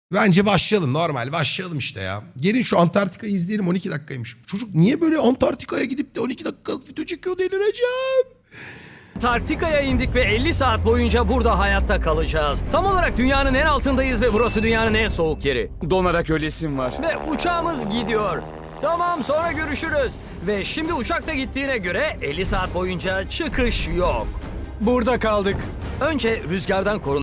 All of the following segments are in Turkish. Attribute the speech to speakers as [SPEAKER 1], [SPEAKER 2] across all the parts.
[SPEAKER 1] Bence başlayalım, normal başlayalım işte ya. Gelin şu Antarktika'yı izleyelim, 12 dakikaymış. Çocuk niye böyle Antarktika'ya gidip de 12 dakikalık video çekiyor, delireceğim.
[SPEAKER 2] Antarktika'ya indik ve 50 saat boyunca burada hayatta kalacağız. Tam olarak dünyanın en altındayız ve burası dünyanın en soğuk yeri.
[SPEAKER 3] Donarak ölesim var.
[SPEAKER 2] Ve uçağımız gidiyor. Tamam, sonra görüşürüz. Ve şimdi uçak da gittiğine göre 50 saat boyunca çıkış yok.
[SPEAKER 3] Burada kaldık.
[SPEAKER 2] Önce rüzgardan korunmak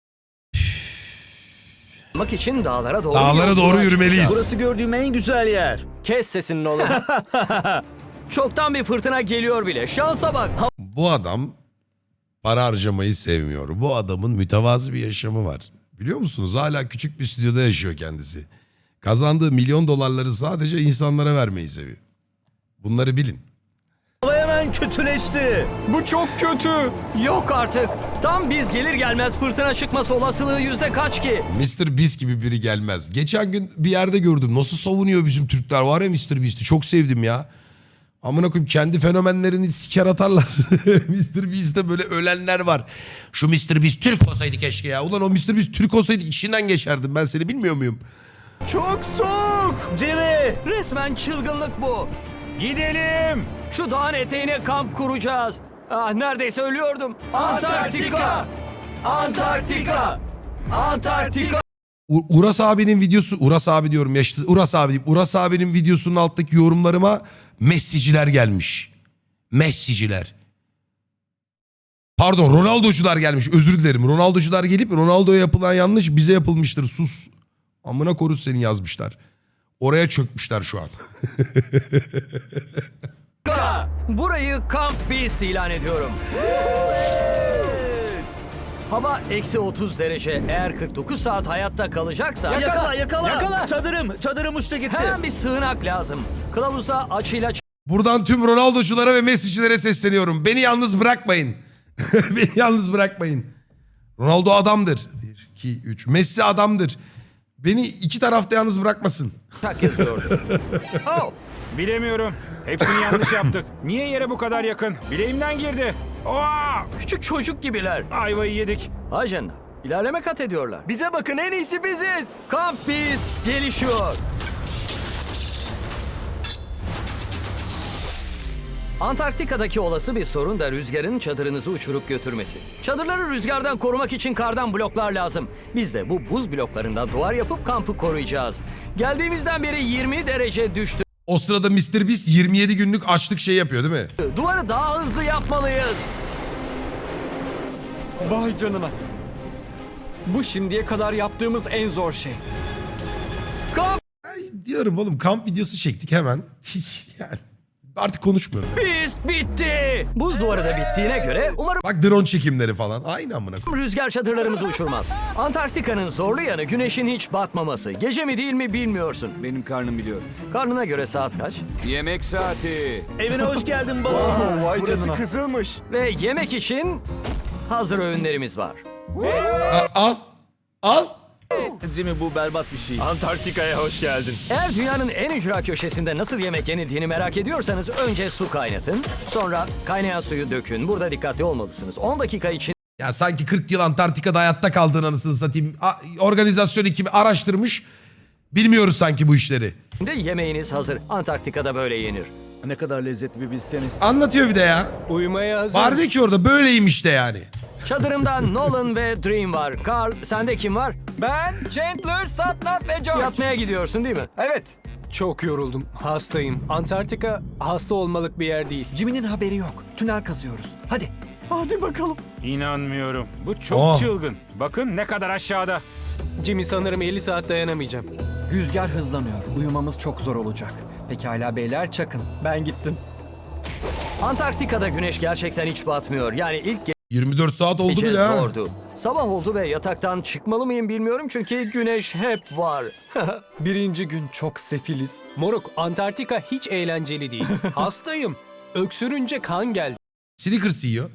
[SPEAKER 2] için dağlara doğru
[SPEAKER 1] Dağlara doğru
[SPEAKER 2] yolculuğa
[SPEAKER 1] yürümeliyiz.
[SPEAKER 2] çıkacağız.
[SPEAKER 4] Burası gördüğüm en güzel yer.
[SPEAKER 5] Kes sesini oğlum.
[SPEAKER 2] Çoktan bir fırtına geliyor bile. Şansa bak.
[SPEAKER 1] Bu adam para harcamayı sevmiyor. Bu adamın mütevazı bir yaşamı var. Biliyor musunuz? Hala küçük bir stüdyoda yaşıyor kendisi. Kazandığı milyon dolarları sadece insanlara vermeyi seviyor. Bunları bilin.
[SPEAKER 4] Hava hemen kötüleşti.
[SPEAKER 3] Bu çok kötü.
[SPEAKER 2] Yok artık. Tam biz gelir gelmez fırtına çıkması olasılığı yüzde kaç ki?
[SPEAKER 1] Mr. Beast gibi biri gelmez. Geçen gün bir yerde gördüm. Nasıl savunuyor bizim Türkler, var ya Mr. Beast'i. Çok sevdim ya. Amına koyayım, kendi fenomenlerini siker atarlar. Mr. Beast'te böyle ölenler var. Şu Mr. Beast Türk olsaydı keşke ya. Ulan o Mr. Beast Türk olsaydı içinden geçerdim. Ben seni bilmiyor muyum?
[SPEAKER 4] Çok soğuk. Jimmy.
[SPEAKER 2] Resmen çılgınlık bu.
[SPEAKER 3] Gidelim.
[SPEAKER 2] Şu dağın eteğine kamp kuracağız. Ah, neredeyse ölüyordum. Antarktika! Antarktika! Antarktika!
[SPEAKER 1] Uras abinin videosu, Uras abi diyorum ya işte, Uras abi diyeyim. Uras abinin videosunun alttaki yorumlarıma Messi'ciler gelmiş. Messi'ciler. Pardon, Ronaldo'cular gelmiş. Özür dilerim. Ronaldo'cular gelip Ronaldo'ya yapılan yanlış bize yapılmıştır. Sus. Amına korus seni yazmışlar. Oraya çökmüşler şu an.
[SPEAKER 2] Burayı Camp Beast ilan ediyorum. Hava eksi 30 derece. Eğer 49 saat hayatta kalacaksa...
[SPEAKER 4] Yakala. Çadırım uçtu gitti.
[SPEAKER 2] Hemen bir sığınak lazım. Kılavuzda açıyla
[SPEAKER 1] Buradan tüm Ronaldo'culara ve Messi'cilere sesleniyorum. Beni yalnız bırakmayın. Beni yalnız bırakmayın. Ronaldo adamdır. 1, 2, 3. Messi adamdır. Beni iki tarafta yalnız bırakmasın.
[SPEAKER 2] çak yazıyordu. Oh!
[SPEAKER 3] Bilemiyorum. Hepsini yanlış yaptık. Niye yere bu kadar yakın? Bileğimden girdi. Oha!
[SPEAKER 2] Küçük çocuk gibiler.
[SPEAKER 3] Ayvayı yedik.
[SPEAKER 2] Ajan, ilerleme kat ediyorlar.
[SPEAKER 5] Bize bakın, en iyisi biziz.
[SPEAKER 2] Camp Beast gelişiyor. Antarktika'daki olası bir sorun da rüzgarın çadırınızı uçurup götürmesi. Çadırları rüzgardan korumak için kardan bloklar lazım. Biz de bu buz bloklarından duvar yapıp kampı koruyacağız. Geldiğimizden beri 20 derece düştü.
[SPEAKER 1] O sırada Mr. Beast 27 günlük açlık şey yapıyor değil mi?
[SPEAKER 2] Duvarı daha hızlı yapmalıyız.
[SPEAKER 3] Vay canına. Bu şimdiye kadar yaptığımız en zor şey.
[SPEAKER 2] Camp
[SPEAKER 1] Ay, diyorum oğlum, kamp videosu çektik hemen. Hiç yani. Artık konuşmuyorum.
[SPEAKER 2] Beast bitti. Buz duvarı da bittiğine göre umarım
[SPEAKER 1] Bak drone çekimleri falan. Aynı amına koyayım.
[SPEAKER 2] rüzgar çadırlarımızı uçurmaz. Antarktika'nın zorlu yanı güneşin hiç batmaması. Gece mi değil mi bilmiyorsun.
[SPEAKER 3] Benim karnım biliyor.
[SPEAKER 2] Karnına göre saat kaç?
[SPEAKER 3] Yemek saati.
[SPEAKER 4] Evine hoş geldin baba.
[SPEAKER 3] Vay
[SPEAKER 5] Burası
[SPEAKER 3] canına.
[SPEAKER 5] kızılmış.
[SPEAKER 2] Ve yemek için hazır öğünlerimiz var.
[SPEAKER 1] Al. Al.
[SPEAKER 4] Jimmy, bu berbat bir şey.
[SPEAKER 5] Antarktika'ya hoş geldin.
[SPEAKER 2] Eğer dünyanın en ücra köşesinde nasıl yemek yenildiğini merak ediyorsanız önce su kaynatın. Sonra kaynayan suyu dökün. Burada dikkatli olmalısınız. 10 dakika içinde
[SPEAKER 1] Ya sanki 40 yıl Antarktika'da hayatta kaldığın anasını satayım. Organizasyon ekibi araştırmış. Bilmiyoruz sanki bu işleri.
[SPEAKER 2] yemeğiniz hazır. Antarktika'da böyle yenir.
[SPEAKER 4] Ne kadar lezzetli bir bilseniz.
[SPEAKER 1] Anlatıyor bir de ya.
[SPEAKER 3] Uyumaya hazır.
[SPEAKER 1] Vardı ki orada böyleymiş de yani.
[SPEAKER 2] Çadırımda Nolan ve Dream var. Carl, sende kim var?
[SPEAKER 5] Ben, Chandler, Satnap ve George.
[SPEAKER 2] Yatmaya gidiyorsun değil mi?
[SPEAKER 5] Evet.
[SPEAKER 6] Çok yoruldum. Hastayım. Antarktika hasta olmalık bir yer değil.
[SPEAKER 5] Jimmy'nin haberi yok. Tünel kazıyoruz. Hadi. Hadi bakalım.
[SPEAKER 3] İnanmıyorum. Bu çok
[SPEAKER 1] Oh.
[SPEAKER 3] çılgın. Bakın ne kadar aşağıda.
[SPEAKER 6] Jimmy, sanırım 50 saat dayanamayacağım.
[SPEAKER 5] Rüzgar hızlanıyor. Uyumamız çok zor olacak. Pekala beyler, çakın. Ben gittim.
[SPEAKER 2] Antarktika'da güneş gerçekten hiç batmıyor. Yani ilk
[SPEAKER 1] 24 saat oldu
[SPEAKER 2] gece
[SPEAKER 1] bile ha.
[SPEAKER 2] zordu. Sabah oldu ve yataktan çıkmalı mıyım bilmiyorum çünkü güneş hep var.
[SPEAKER 6] Birinci gün çok sefiliz. Moruk, Antarktika hiç eğlenceli değil. Hastayım. Öksürünce kan geldi.
[SPEAKER 1] Snickers yiyor.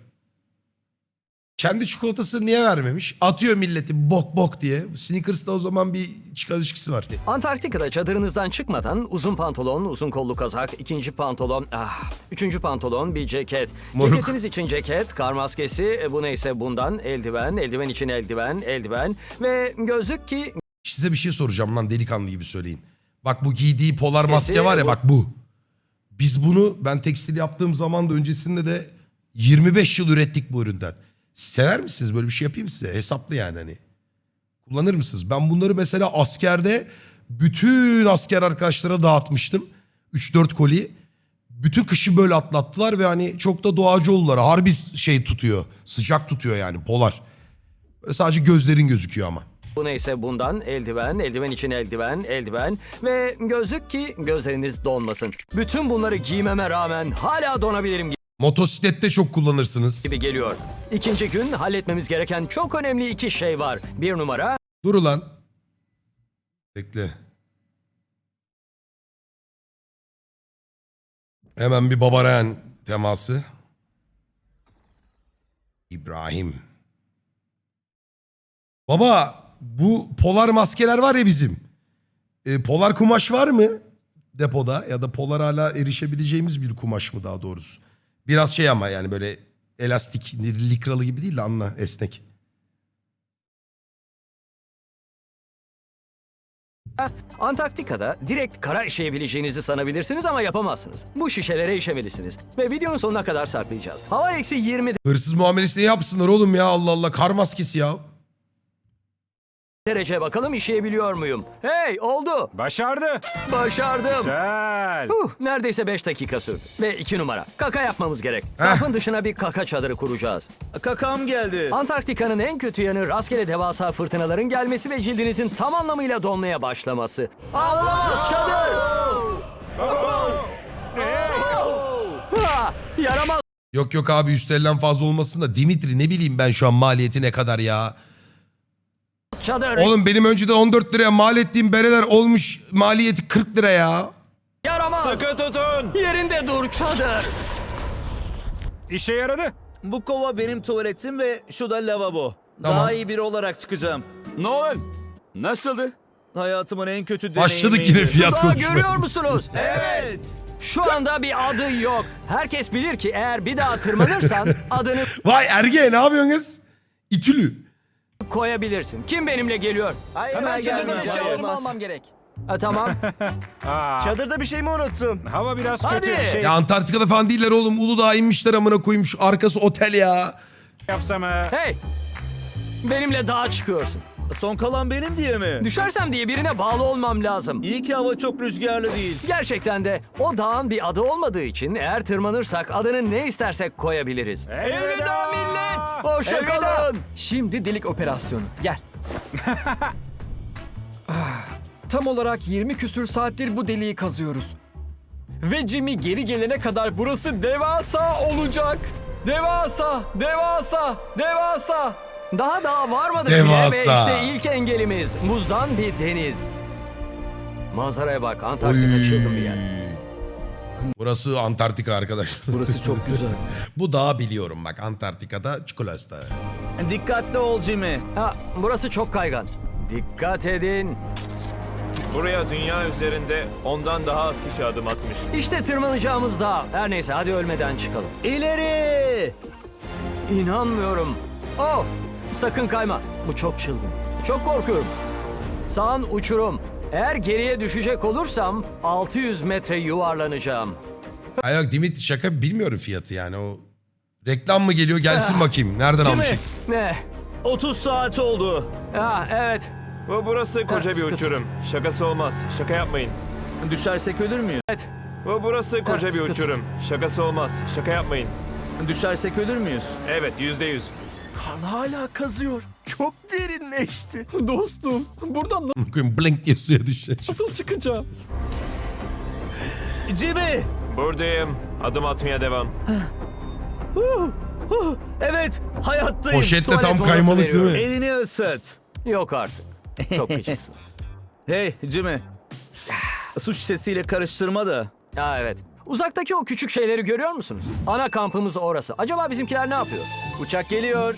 [SPEAKER 1] Kendi çikolatasını niye vermemiş? Atıyor milleti bok bok diye. Snickers'ta o zaman bir çıkar ilişkisi var.
[SPEAKER 2] Antarktika'da çadırınızdan çıkmadan uzun pantolon, uzun kollu kazak, ikinci pantolon, üçüncü pantolon, bir ceket.
[SPEAKER 1] Moruk.
[SPEAKER 2] Ceketiniz için ceket, kar maskesi, bu neyse bundan, eldiven, eldiven için eldiven, eldiven ve gözlük ki
[SPEAKER 1] Size bir şey soracağım lan, delikanlı gibi söyleyin. Bak bu giydiği polar
[SPEAKER 2] Kesin
[SPEAKER 1] maske var ya,
[SPEAKER 2] bu.
[SPEAKER 1] bak bu. Biz bunu, ben tekstil yaptığım zaman da öncesinde de 25 yıl ürettik bu üründen. Sever misiniz? Böyle bir şey yapayım size. Hesaplı yani hani. Kullanır mısınız? Ben bunları mesela askerde bütün asker arkadaşlara dağıtmıştım. 3-4 koli. Bütün kışı böyle atlattılar ve hani çok da doğacı oldular. Harbi şey tutuyor. Sıcak tutuyor yani polar. Böyle sadece gözlerin gözüküyor ama.
[SPEAKER 2] Bu neyse bundan eldiven, eldiven için eldiven, eldiven ve gözlük ki gözleriniz donmasın. Bütün bunları giymeme rağmen hala donabilirim
[SPEAKER 1] Motosiklette çok kullanırsınız.
[SPEAKER 2] gibi geliyor. İkinci gün halletmemiz gereken çok önemli 2 şey var. 1 numara,
[SPEAKER 1] Dur ulan. Bekle. Hemen bir Babarayan teması. İbrahim. Baba bu polar maskeler var ya bizim. Polar kumaş var mı depoda, ya da polar hala erişebileceğimiz bir kumaş mı daha doğrusu? Biraz şey ama yani böyle elastik, likralı gibi değil de anla, esnek.
[SPEAKER 2] Antarktika'da direkt kara işeyebileceğinizi sanabilirsiniz ama yapamazsınız. Bu şişelere işemelisiniz ve videonun sonuna kadar saklayacağız. Hava eksi 20
[SPEAKER 1] Hırsız muamelesi ne yapsınlar oğlum ya, Allah Allah, kar maskesi ya.
[SPEAKER 2] derece bakalım işeyebiliyor muyum? Hey oldu.
[SPEAKER 3] Başardı.
[SPEAKER 2] Başardım.
[SPEAKER 3] Güzel.
[SPEAKER 2] Neredeyse 5 dakika sürdü. Ve 2 numara. Kaka yapmamız gerek. Kampın dışına bir kaka çadırı kuracağız.
[SPEAKER 4] Kakam geldi.
[SPEAKER 2] Antarktika'nın en kötü yanı rastgele devasa fırtınaların gelmesi ve cildinizin tam anlamıyla donmaya başlaması. Ağlamaz çadır! Ha, yaramaz
[SPEAKER 1] Yok yok abi, üstlerinden fazla olmasın da Dimitri, ne bileyim ben şu an maliyeti ne kadar ya.
[SPEAKER 2] çadır!
[SPEAKER 1] Oğlum benim önceden 14 liraya mal ettiğim bereler olmuş maliyeti 40 lira ya.
[SPEAKER 2] Yaramaz!
[SPEAKER 3] Sıkı tutun.
[SPEAKER 2] Yerinde dur çadır!
[SPEAKER 3] İşe yaradı.
[SPEAKER 4] Bu kova benim tuvaletim ve şu da lavabo.
[SPEAKER 1] Tamam.
[SPEAKER 4] Daha iyi biri olarak çıkacağım.
[SPEAKER 3] Nolan. Nasıldı?
[SPEAKER 4] Hayatımın en kötü deneyimiydi.
[SPEAKER 1] Başladık yine fiyat
[SPEAKER 2] Daha
[SPEAKER 1] konuşmaya.
[SPEAKER 2] görüyor musunuz?
[SPEAKER 4] Evet.
[SPEAKER 2] Şu anda bir adı yok. Herkes bilir ki eğer bir daha tırmanırsan adını
[SPEAKER 1] Vay Erge, ne yapıyorsun kız? İtülü.
[SPEAKER 2] koyabilirsin. Kim benimle geliyor?
[SPEAKER 4] Hemen
[SPEAKER 5] Çadırdan
[SPEAKER 4] gelmeyeceğim.
[SPEAKER 5] eşyalarımı almam gerek.
[SPEAKER 2] Tamam.
[SPEAKER 3] Aa,
[SPEAKER 4] Çadırda bir şey mi unuttum?
[SPEAKER 3] hava biraz
[SPEAKER 2] Hadi.
[SPEAKER 3] kötü. Şey
[SPEAKER 1] Ya Antarktika'da falan değiller oğlum. Uludağ'a inmişler amına koyayım. Şu arkası otel ya.
[SPEAKER 3] yapsam
[SPEAKER 2] Hey! Benimle dağa çıkıyorsun.
[SPEAKER 4] Son kalan benim diye mi?
[SPEAKER 2] Düşersem diye birine bağlı olmam lazım.
[SPEAKER 4] İyi ki hava çok rüzgarlı değil.
[SPEAKER 2] Gerçekten de o dağın bir adı olmadığı için eğer tırmanırsak adını ne istersek koyabiliriz.
[SPEAKER 3] Elveda millet.
[SPEAKER 2] Hoşça kalın.
[SPEAKER 5] Şimdi delik operasyonu. Gel. Tam olarak 20 küsür saattir bu deliği kazıyoruz. Ve Jimmy geri gelene kadar burası devasa olacak. Devasa, devasa, devasa.
[SPEAKER 2] Daha varmadık
[SPEAKER 1] Devasa.
[SPEAKER 2] bile ve işte ilk engelimiz buzdan bir deniz. Manzaraya bak, Antarktika çılgın bir yer.
[SPEAKER 1] Burası Antarktika arkadaşlar.
[SPEAKER 4] Burası çok güzel.
[SPEAKER 1] Bu dağı biliyorum bak, Antarktika'da çikolata.
[SPEAKER 4] Dikkatli ol Jimmy.
[SPEAKER 2] Burası çok kaygan. Dikkat edin.
[SPEAKER 7] Buraya dünya üzerinde ondan daha az kişi adım atmış.
[SPEAKER 2] İşte tırmanacağımız dağ. Her neyse hadi ölmeden çıkalım.
[SPEAKER 4] İleri!
[SPEAKER 2] İnanmıyorum. Oh! Sakın kayma. Bu çok çılgın. Çok korkuyorum. Sağın uçurum. Eğer geriye düşecek olursam 600 metre yuvarlanacağım.
[SPEAKER 1] Ay yok Dimitri, şaka, bilmiyorum fiyatı yani o. Reklam mı geliyor, gelsin bakayım. Nereden almışık?
[SPEAKER 2] Ne?
[SPEAKER 4] 30 saat oldu.
[SPEAKER 2] Evet.
[SPEAKER 7] Ve burası koca bir
[SPEAKER 2] sıkı
[SPEAKER 7] uçurum. Şakası olmaz. Şaka yapmayın.
[SPEAKER 4] Düşersek ölür müyüz?
[SPEAKER 2] Evet.
[SPEAKER 7] Ve burası koca bir
[SPEAKER 2] sıkı tut.
[SPEAKER 7] uçurum. Şakası olmaz. Şaka yapmayın.
[SPEAKER 4] Düşersek ölür müyüz?
[SPEAKER 7] Evet, %100.
[SPEAKER 4] Kan hala kazıyor. Çok derinleşti.
[SPEAKER 5] Dostum, buradan
[SPEAKER 1] Koyayım, blink diye suya düşecek.
[SPEAKER 5] nasıl çıkacağım?
[SPEAKER 4] Jimmy!
[SPEAKER 7] Buradayım. Adım atmaya devam.
[SPEAKER 4] Evet, hayattayım.
[SPEAKER 1] Poşetle
[SPEAKER 2] Tuvalet
[SPEAKER 1] tam
[SPEAKER 2] molası
[SPEAKER 1] kaymalık değil mi?
[SPEAKER 4] Elini ısıt.
[SPEAKER 2] Yok artık. Çok küçüksün.
[SPEAKER 4] Hey Jimmy. Su şişesiyle karıştırma da.
[SPEAKER 2] Evet. Uzaktaki o küçük şeyleri görüyor musunuz? Ana kampımız orası. Acaba bizimkiler ne yapıyor?
[SPEAKER 4] Uçak geliyor.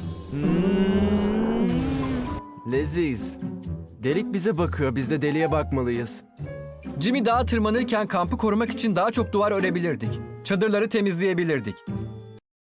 [SPEAKER 4] Leziz. Delik bize bakıyor. Biz de deliğe bakmalıyız.
[SPEAKER 5] Jimmy dağa tırmanırken kampı korumak için daha çok duvar örebilirdik. Çadırları temizleyebilirdik.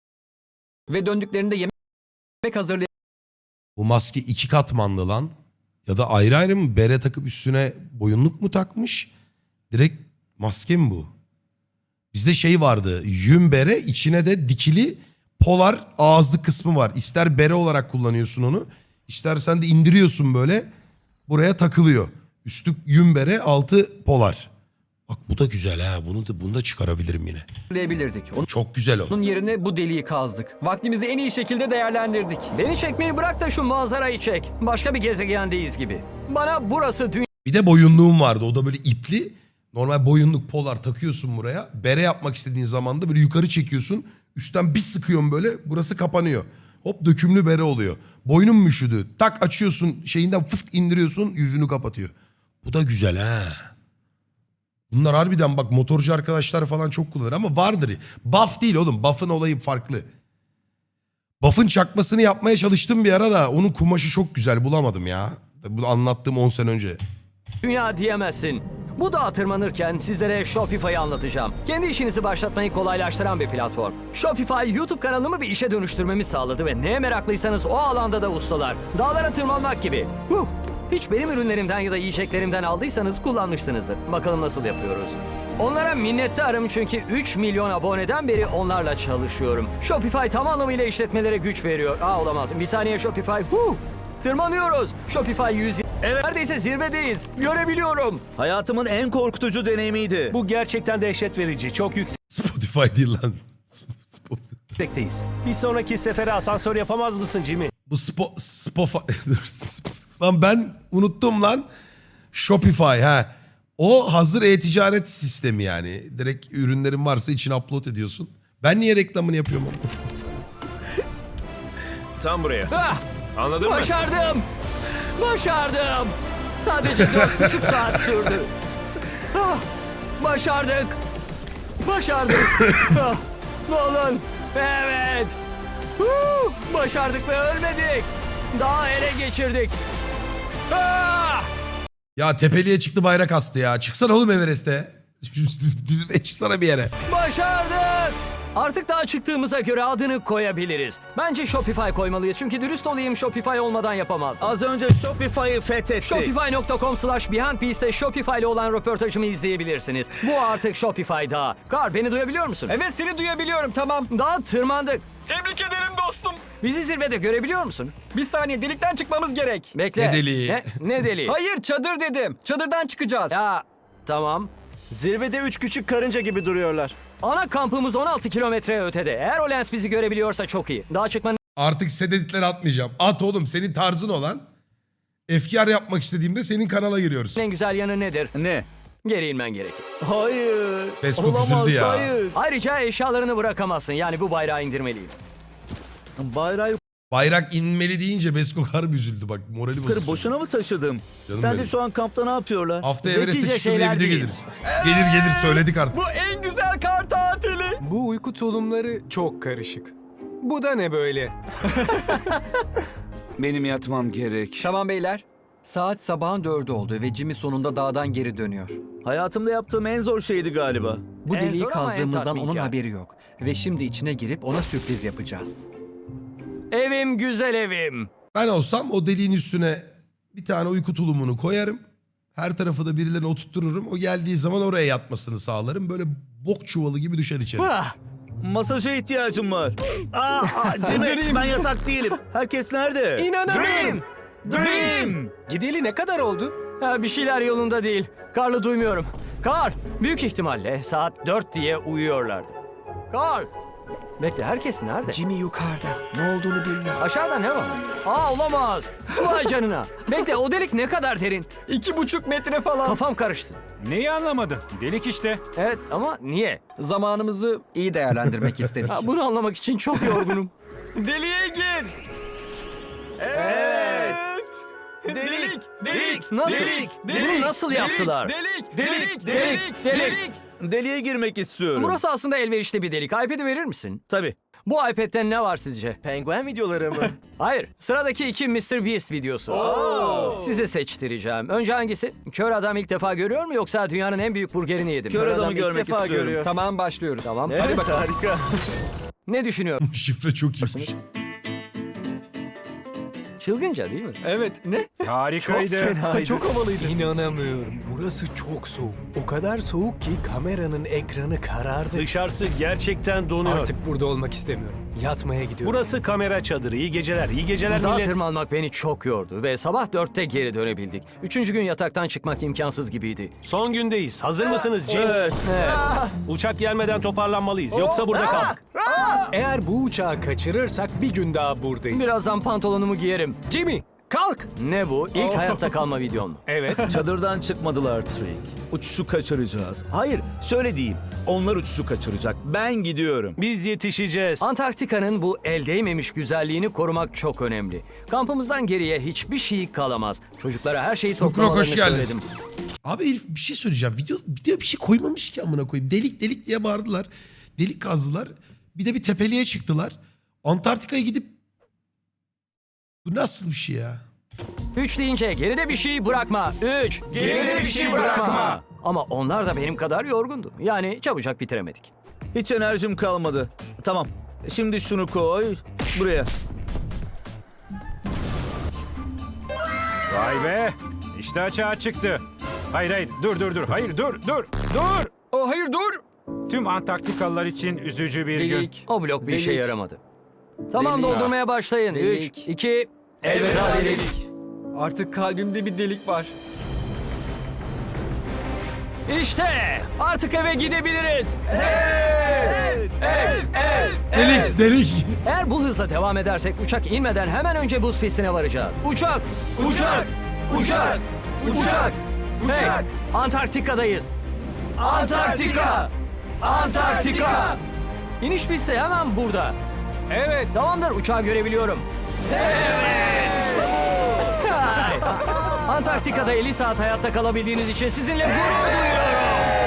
[SPEAKER 5] Ve döndüklerinde yemek hazırlayabilirdik.
[SPEAKER 1] Bu maske 2 katmanlı lan. Ya da ayrı ayrı mı bere takıp üstüne boyunluk mu takmış? Direkt maske mi bu? Bizde şey vardı. Yün bere, içine de dikili polar ağızlı kısmı var. İster bere olarak kullanıyorsun onu. İstersen de indiriyorsun böyle. Buraya takılıyor. Üstü yün bere, altı polar. Bak bu da güzel ha. Bunu da çıkarabilirim yine.
[SPEAKER 5] Hatırlayabilirdik.
[SPEAKER 1] Çok güzel o.
[SPEAKER 5] Onun yerine bu deliği kazdık. Vaktimizi en iyi şekilde değerlendirdik.
[SPEAKER 2] Beni çekmeyi bırak da şu manzarayı çek. Başka bir gezegendeyiz gibi. Bana burası
[SPEAKER 1] Bir de boyunluğum vardı. O da böyle ipli. Normal boyunluk polar takıyorsun buraya. Bere yapmak istediğin zaman da böyle yukarı çekiyorsun. Üstten bir sıkıyorsun böyle. Burası kapanıyor. Hop dökümlü bere oluyor. Boynum mu üşüdü? Tak açıyorsun şeyinden fıt indiriyorsun yüzünü kapatıyor. Bu da güzel ha. Bunlar harbiden bak motorcu arkadaşlar falan çok kullanır ama vardır. Buff değil oğlum. Buff'ın olayı farklı. Buff'ın çakmasını yapmaya çalıştım bir ara da onun kumaşı çok güzel bulamadım ya. Bu anlattığım 10 sene önce.
[SPEAKER 2] dünya diyemezsin. Bu dağa tırmanırken sizlere Shopify'ı anlatacağım. Kendi işinizi başlatmayı kolaylaştıran bir platform. Shopify, YouTube kanalımı bir işe dönüştürmemi sağladı ve neye meraklıysanız o alanda da ustalar. Dağlara tırmanmak gibi. Hiç benim ürünlerimden ya da yiyeceklerimden aldıysanız kullanmışsınızdır. Bakalım nasıl yapıyoruz. Onlara minnettarım çünkü 3 milyon aboneden beri onlarla çalışıyorum. Shopify tam anlamıyla işletmelere güç veriyor. Olamaz. Bir saniye Shopify. Tırmanıyoruz. Shopify 100. Evet. Neredeyse zirvedeyiz. Görebiliyorum.
[SPEAKER 8] Hayatımın en korkutucu deneyimiydi.
[SPEAKER 9] Bu gerçekten dehşet verici. Çok
[SPEAKER 1] Spotify değil lan.
[SPEAKER 9] yüksekteyiz. Bir sonraki sefere asansör yapamaz mısın Jimmy?
[SPEAKER 1] Bu lan ben unuttum lan. Shopify ha. O hazır e-ticaret sistemi yani. Direkt ürünlerin varsa içine upload ediyorsun. Ben niye reklamını yapıyorum?
[SPEAKER 7] Tam buraya.
[SPEAKER 2] Ah,
[SPEAKER 7] Anladın mı?
[SPEAKER 2] başardım. Başardım. Sadece 4,5 saat sürdü. Başardık. Başardık. Nolan. Evet. Başardık ve ölmedik. Daha ele geçirdik.
[SPEAKER 1] Ya tepeliğe çıktı bayrak astı ya. Çıksana oğlum Everest'e. Çıksana bir yere.
[SPEAKER 2] Başardık. Artık daha çıktığımıza göre adını koyabiliriz. Bence Shopify koymalıyız çünkü dürüst olayım Shopify olmadan yapamazdım.
[SPEAKER 8] Az önce Shopify'ı fethettik.
[SPEAKER 2] Shopify.com/BeyondBeast'te Shopify ile olan röportajımı izleyebilirsiniz. Bu artık Shopify Dağı. Kar beni duyabiliyor musun?
[SPEAKER 5] Evet seni duyabiliyorum tamam.
[SPEAKER 2] Dağa tırmandık.
[SPEAKER 5] Tebrik ederim dostum.
[SPEAKER 2] Bizi zirvede görebiliyor musun?
[SPEAKER 5] Bir saniye delikten çıkmamız gerek.
[SPEAKER 2] Bekle.
[SPEAKER 1] Ne deliği?
[SPEAKER 2] Ne deliği?
[SPEAKER 5] Hayır çadır dedim. Çadırdan çıkacağız.
[SPEAKER 2] Ya tamam.
[SPEAKER 4] Zirvede 3 küçük karınca gibi duruyorlar.
[SPEAKER 2] Ana kampımız 16 kilometre ötede. Eğer o lens bizi görebiliyorsa çok iyi. Dağa çıkmanın
[SPEAKER 1] Artık sededitleri atmayacağım. At oğlum senin tarzın olan. Efkar yapmak istediğimde senin kanala giriyoruz.
[SPEAKER 2] en güzel yanı nedir?
[SPEAKER 8] Ne?
[SPEAKER 2] Geri inmen gerekir.
[SPEAKER 8] Hayır.
[SPEAKER 1] Beskok
[SPEAKER 8] Olamaz,
[SPEAKER 1] üzüldü ya.
[SPEAKER 8] hayır.
[SPEAKER 2] Ayrıca eşyalarını bırakamazsın. Yani bu bayrağı indirmeliyim.
[SPEAKER 8] Bayrağı
[SPEAKER 1] Bayrak inmeli deyince Beskok harbi üzüldü bak. Morali
[SPEAKER 8] yukarı
[SPEAKER 1] bozuldu.
[SPEAKER 8] boşuna mı taşıdım?
[SPEAKER 1] Canım
[SPEAKER 8] Sen de
[SPEAKER 1] benim.
[SPEAKER 8] şu an kampta ne yapıyorlar?
[SPEAKER 1] Hafta
[SPEAKER 2] Zekice
[SPEAKER 1] Everest'e çıktım diye
[SPEAKER 2] şeyler
[SPEAKER 1] video
[SPEAKER 2] değil.
[SPEAKER 1] gelir. Gelir söyledik artık.
[SPEAKER 5] Bu en güzel kar tatili.
[SPEAKER 6] Bu uyku tulumları çok karışık. Bu da ne böyle?
[SPEAKER 10] Benim yatmam gerek.
[SPEAKER 5] Tamam beyler. Saat sabahın 4'ü oldu ve Jimmy sonunda dağdan geri dönüyor.
[SPEAKER 8] Hayatımda yaptığım en zor şeydi galiba.
[SPEAKER 5] Bu
[SPEAKER 2] En
[SPEAKER 5] deliği
[SPEAKER 2] zor ama en
[SPEAKER 5] kazdığımızdan onun
[SPEAKER 2] tatminkar.
[SPEAKER 5] haberi yok. Ve şimdi içine girip ona sürpriz yapacağız.
[SPEAKER 2] Evim güzel evim.
[SPEAKER 1] Ben olsam o deliğin üstüne bir tane uyku tulumunu koyarım. Her tarafı da birilerine oturttururum. O geldiği zaman oraya yatmasını sağlarım. Böyle bok çuvalı gibi düşer içeri.
[SPEAKER 8] Masaja ihtiyacım var. Jimmy ben yatak değilim. Herkes nerede?
[SPEAKER 2] İnanamıyorum.
[SPEAKER 8] Dream!
[SPEAKER 6] Gideli ne kadar oldu?
[SPEAKER 2] Bir şeyler yolunda değil. Karlı duymuyorum. Kar, büyük ihtimalle saat 4 diye uyuyorlardı. Kar. Bekle herkes nerede?
[SPEAKER 5] Jimmy yukarıda. Ne olduğunu bilmiyor.
[SPEAKER 2] Aşağıda ne var? Olamaz. Vay canına. Bekle o delik ne kadar derin?
[SPEAKER 5] 2,5 metre falan.
[SPEAKER 2] Kafam karıştı.
[SPEAKER 3] Neyi anlamadın? Delik işte.
[SPEAKER 2] Evet ama niye?
[SPEAKER 5] Zamanımızı iyi değerlendirmek istedik.
[SPEAKER 2] Bunu anlamak için çok yorgunum.
[SPEAKER 5] Deliğe gir.
[SPEAKER 8] Evet. Delik.
[SPEAKER 2] Nasıl? Bunu nasıl yaptılar? Delik.
[SPEAKER 8] Deliğe girmek istiyorum.
[SPEAKER 2] Burası aslında elverişli bir delik. iPad'i verir misin?
[SPEAKER 8] Tabii.
[SPEAKER 2] Bu iPad'te ne var sizce?
[SPEAKER 4] Penguen videoları mı?
[SPEAKER 2] Hayır. Sıradaki 2 Mr. Beast videosu. Size seçtireceğim. Önce hangisi? Kör adam ilk defa görüyor mu yoksa dünyanın en büyük burgerini yedi mi?
[SPEAKER 8] Kör adamı
[SPEAKER 4] Adam ilk
[SPEAKER 8] görmek
[SPEAKER 4] defa
[SPEAKER 8] istiyorum.
[SPEAKER 4] görüyor.
[SPEAKER 5] Tamam başlıyoruz.
[SPEAKER 2] Tamam.
[SPEAKER 8] Evet harika.
[SPEAKER 2] Ne düşünüyorsun?
[SPEAKER 1] Şifre çok iyiymiş.
[SPEAKER 2] Çılgınca değil mi?
[SPEAKER 5] Evet, ne?
[SPEAKER 3] Harikaydı.
[SPEAKER 5] Çok havalıydı.
[SPEAKER 6] İnanamıyorum. Burası çok soğuk. O kadar soğuk ki kameranın ekranı karardı.
[SPEAKER 9] Dışarısı gerçekten donuyor.
[SPEAKER 6] Artık burada olmak istemiyorum. Yatmaya gidiyorum.
[SPEAKER 9] Burası kamera çadırı. İyi geceler. İyi geceler
[SPEAKER 2] Dağa
[SPEAKER 9] millet.
[SPEAKER 2] tırmanmak beni çok yordu ve sabah 4'te geri dönebildik. 3. gün yataktan çıkmak imkansız gibiydi.
[SPEAKER 9] Son gündeyiz. Hazır mısınız Jim?
[SPEAKER 8] Evet.
[SPEAKER 9] Uçak gelmeden toparlanmalıyız. Yoksa burada kaldık.
[SPEAKER 6] Eğer bu uçağı kaçırırsak bir gün daha buradayız.
[SPEAKER 2] Birazdan pantolonumu giyerim.
[SPEAKER 6] Jimmy, kalk.
[SPEAKER 2] Ne bu? İlk hayatta kalma videon mu?
[SPEAKER 6] Evet.
[SPEAKER 8] Çadırdan çıkmadılar Trick. Uçuşu kaçıracağız. Hayır, şöyle diyeyim. Onlar uçuşu kaçıracak. Ben gidiyorum.
[SPEAKER 9] Biz yetişeceğiz.
[SPEAKER 2] Antarktika'nın bu el değmemiş güzelliğini korumak çok önemli. Kampımızdan geriye hiçbir şey kalamaz. Çocuklara her şeyi
[SPEAKER 1] Lukrok, hoş
[SPEAKER 2] toplamalarını
[SPEAKER 1] geldin.
[SPEAKER 2] söyledim.
[SPEAKER 1] Abi herif bir şey söyleyeceğim. Video bir şey koymamış ki amına koyayım. Delik delik diye bağırdılar. Delik kazdılar. Bir de bir tepeliğe çıktılar. Antarktika'ya gidip... Bu nasıl bir şey ya?
[SPEAKER 2] 3 deyince geride bir şey bırakma. 3.
[SPEAKER 3] Geride bir şey bırakma.
[SPEAKER 2] Ama onlar da benim kadar yorgundu. Yani çabucak bitiremedik.
[SPEAKER 8] Hiç enerjim kalmadı. Tamam. Şimdi şunu koy. Buraya.
[SPEAKER 3] Vay be. İşte açığa çıktı. Hayır. Dur. Hayır dur.
[SPEAKER 5] Oh, hayır dur.
[SPEAKER 3] Tüm Antarktikalılar için üzücü bir gün.
[SPEAKER 5] Delik.
[SPEAKER 2] O blok bir işe
[SPEAKER 5] Delik.
[SPEAKER 2] yaramadı. Tamam,
[SPEAKER 5] Delik.
[SPEAKER 2] doldurmaya başlayın. 3,
[SPEAKER 5] Delik.
[SPEAKER 2] 2, elveda delik.
[SPEAKER 5] Artık kalbimde bir delik var.
[SPEAKER 2] İşte artık eve gidebiliriz.
[SPEAKER 1] Delik delik.
[SPEAKER 2] Eğer bu hızla devam edersek uçak inmeden hemen önce buz pistine varacağız. Uçak! Hey, Antarktika'dayız. Antarktika! İniş pisti hemen burada. Evet, tamamdır, uçağı görebiliyorum. Antarktika'da 50 saat hayatta kalabildiğiniz için sizinle gurur duyuyorum.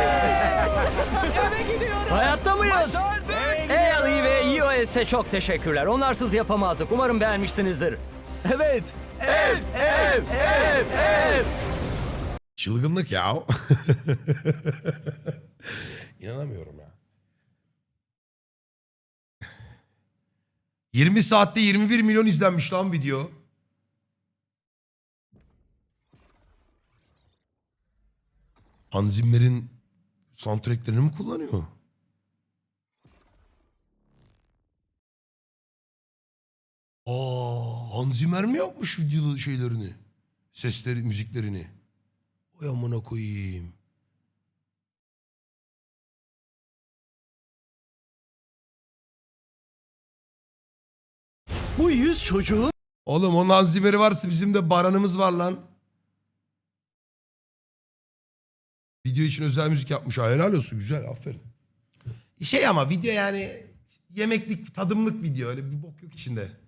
[SPEAKER 2] Hayatta mıyız? Ali ve iOS'e çok teşekkürler. Onlarsız yapamazdık. Umarım beğenmişsinizdir.
[SPEAKER 8] Evet.
[SPEAKER 1] Çılgınlık ya. İnanamıyorum ya. 20 saatte 21 milyon izlenmiş lan video. Hans Zimmer'in soundtracklerini mi kullanıyor? Hans Zimmer mi yapmış video şeylerini? Sesleri, müziklerini. Oy amına koyayım.
[SPEAKER 9] Bu 100 çocuğun
[SPEAKER 1] Oğlum onun Hans Zimmer'i varsa bizim de Baran'ımız var lan. Video için özel müzik yapmış. Ha, helal olsun, güzel, aferin. Şey ama video yani yemeklik, tadımlık video, öyle bir bok yok içinde.